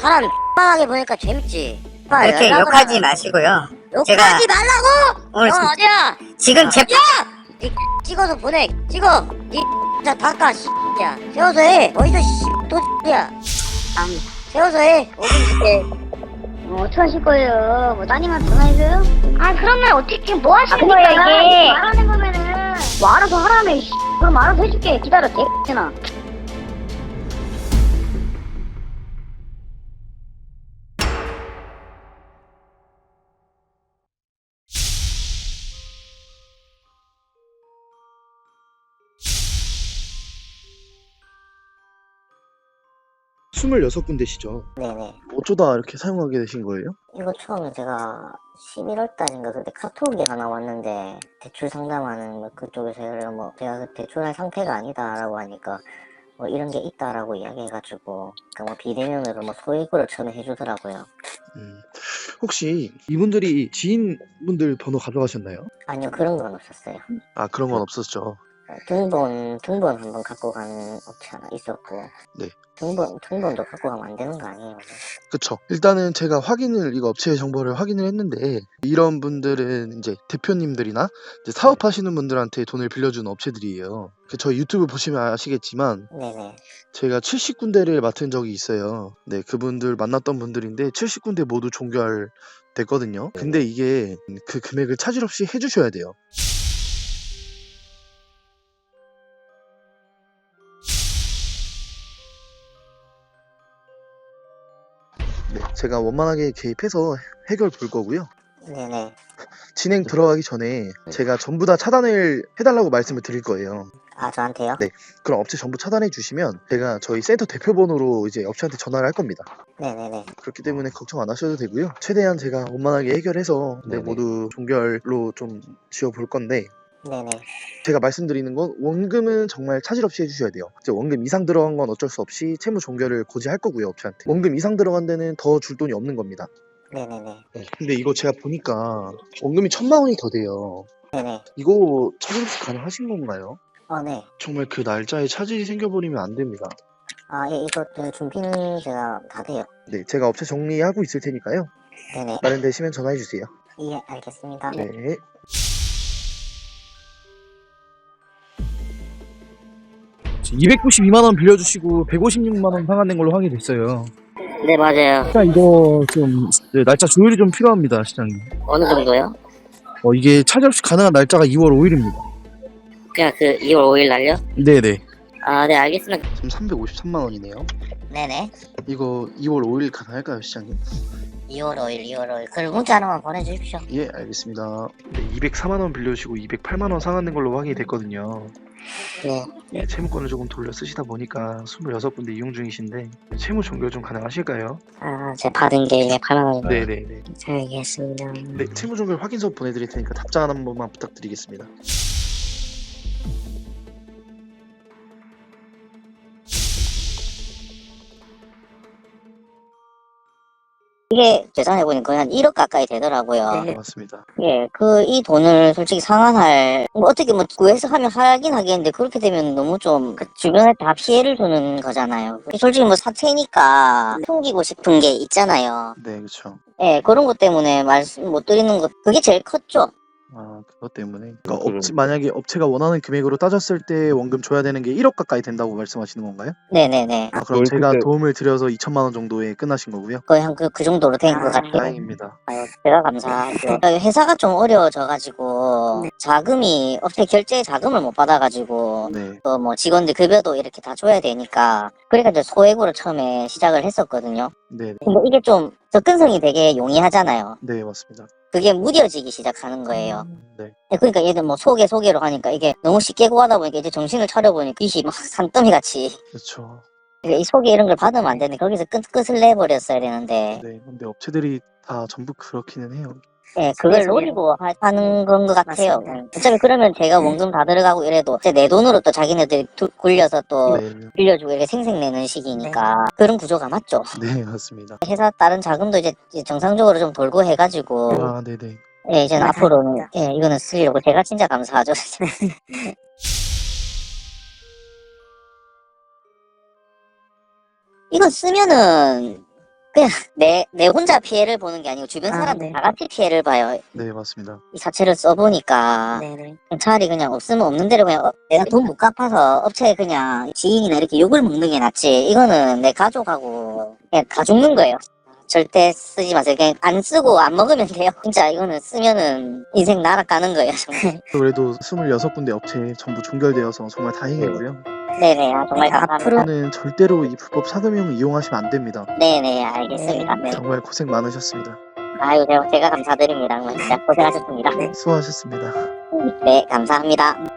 사람 X하게 보니까 재밌지. 그렇게 욕하지 마시고요. 욕하지 말라고! 오늘 너 어디야? 지금 제 니 찍어서 보내. 찍어. 니 진짜 닦아 야. 세워서 해. 어디서 또 야. 세워서 해. 5분 줄게. 어떡하실 거예요? 뭐 따님한테 전화해줘요? 아 그러면 어떻게 뭐 하시는 그러니까 거예요 이게? 말하는 거면은 뭐 알아서 하라며. 그럼 알아서 해줄게. 기다려 개X나. 스물여섯 군데시죠. 네네. 어쩌다 이렇게 사용하게 되신 거예요? 이거 처음에 제가 11월 달인가 그때 카톡이 하나 왔는데 대출 상담하는 뭐 그쪽에서 뭐 제가 그 대출할 상태가 아니다라고 하니까 뭐 이런 게 있다라고 이야기해가지고 뭐 비대면으로 뭐 소액으로 처음에 해주더라고요. 혹시 이분들이 지인분들 번호 가져가셨나요? 아니요, 그런 건 없었어요. 아, 그런 건 없었죠. 등본 한번 갖고 간 업체 하나 있었고. 네. 등본도 갖고 가면 안 되는 거 아니에요? 그쵸. 일단은 제가 이거 업체의 정보를 확인을 했는데, 이런 분들은 이제 대표님들이나 이제 사업하시는 분들한테 돈을 빌려주는 업체들이에요. 저희 유튜브 보시면 아시겠지만, 네네. 제가 70군데를 맡은 적이 있어요. 네, 그분들 만났던 분들인데, 70군데 모두 종결됐거든요. 근데 이게 그 금액을 차질 없이 해주셔야 돼요. 네, 제가 원만하게 개입해서 해결 볼 거고요. 네네. 진행 들어가기 전에 제가 전부 다 차단을 해달라고 말씀을 드릴 거예요. 아, 저한테요? 네. 그럼 업체 전부 차단해 주시면 제가 저희 센터 대표번호로 이제 업체한테 전화를 할 겁니다. 네네네. 그렇기 때문에 걱정 안 하셔도 되고요. 최대한 제가 원만하게 해결해서 모두 종결로 좀 지어볼 건데, 네네. 제가 말씀드리는 건 원금은 정말 차질 없이 해주셔야 돼요. 이제 원금 이상 들어간 건 어쩔 수 없이 채무 종결을 고지할 거고요, 업체한테. 원금 이상 들어간 데는 더 줄 돈이 없는 겁니다. 네네네. 근데 이거 제가 보니까 원금이 1,000만 원이 더 돼요. 네네. 이거 차질 없이 가능하신 건가요? 네. 정말 그 날짜에 차질이 생겨버리면 안 됩니다. 아, 예, 이거 준비는 제가 다 돼요. 네, 제가 업체 정리하고 있을 테니까요. 네네. 마련되시면 전화해 주세요. 예, 알겠습니다. 네. 지금 292만원 빌려주시고 156만원 상환된 걸로 확인이 됐어요. 네, 맞아요. 일단 이거 좀 날짜 조율이 좀 필요합니다, 시장님. 어느 정도요? 이게 차질 없이 가능한 날짜가 2월 5일입니다. 그냥 그 2월 5일 날요? 네네. 아, 네, 알겠습니다. 지금 353만 원이네요. 네네. 이거 2월 5일 가능할까요, 시장님? 2월 5일. 그럼 문자 하나만 보내주십시오. 예, 알겠습니다. 네, 204만 원 빌려주시고 208만 원 상환된 걸로 확인이 됐거든요. 네. 예, 채무권을 조금 돌려 쓰시다 보니까 26군데 이용 중이신데 채무 종결 좀 가능하실까요? 아, 제가 받은 게 208만 원이요. 네네네. 알겠습니다. 네, 채무 종결 확인서 보내드릴 테니까 답장 한 번만 부탁드리겠습니다. 이게 계산해보니 거의 한 1억 가까이 되더라고요. 네, 맞습니다. 예, 이 돈을 솔직히 상환할, 어떻게 구해서 하면 하긴 하겠는데, 그렇게 되면 너무 좀, 주변에 다 피해를 주는 거잖아요. 솔직히 사채니까 숨기고 싶은 게 있잖아요. 네, 그렇죠. 예, 그런 것 때문에 말씀 못 드리는 것, 그게 제일 컸죠. 아, 그것 때문에. 그러니까 만약에 업체가 원하는 금액으로 따졌을 때 원금 줘야 되는 게 1억 가까이 된다고 말씀하시는 건가요? 네네네. 아, 그럼 제가 도움을 드려서 2천만 원 정도에 끝나신 거고요. 거의 한 그 정도로 된 것 같아요. 다행입니다. 아유, 제가 감사하죠. 회사가 좀 어려워져가지고, 자금이, 업체 결제 자금을 못 받아가지고, 네, 또 직원들 급여도 이렇게 다 줘야 되니까, 그러니까 이제 소액으로 처음에 시작을 했었거든요. 네, 근데 이게 좀 접근성이 되게 용이하잖아요. 네, 맞습니다. 그게 무뎌지기 시작하는 거예요. 네, 그러니까 얘들 소개로 하니까 이게 너무 쉽게 구하다 보니까 이제 정신을 차려보니까 빚이 막 산더미 같이. 그렇죠. 이 소개 이런 걸 받으면 안 되는데 거기서 끝을 내버렸어야 되는데. 네, 근데 업체들이 다 전부 그렇기는 해요. 예, 그걸 노리고 하는 건 것 같아요. 어차피 그러면 제가 원금 다 들어가고 이래도 이제 내 돈으로 또 자기네들이 굴려서 또 네, 빌려주고 이렇게 생색내는 식이니까 그런 구조가 맞죠. 네, 맞습니다. 회사 다른 자금도 이제 정상적으로 좀 돌고 해가지고 아, 네네. 예, 이제는 앞으로는 이거는 쓰려고 제가 진짜 감사하죠. 이거 쓰면은 그냥 내 혼자 피해를 보는 게 아니고 주변 사람들 네. 다 같이 피해를 봐요. 네, 맞습니다. 이 사채를 써보니까 네네. 차라리 그냥 없으면 없는 대로 그냥 내가 돈 못 갚아서 업체에 그냥 지인이나 이렇게 욕을 먹는 게 낫지. 이거는 내 가족하고 그냥 가 죽는 거예요. 절대 쓰지 마세요. 그냥 안 쓰고 안 먹으면 돼요. 진짜 이거는 쓰면은 인생 날아가는 거예요. 정말. 그래도 26군데 업체 전부 종결되어서 정말 다행이고요. 네네. 정말 네, 감사합니다. 저는 절대로 이 불법 사금융 이용하시면 안 됩니다. 네네. 알겠습니다. 네. 정말 고생 많으셨습니다. 아유, 제가 감사드립니다. 정말 진짜 고생하셨습니다. 수고하셨습니다. 네, 감사합니다.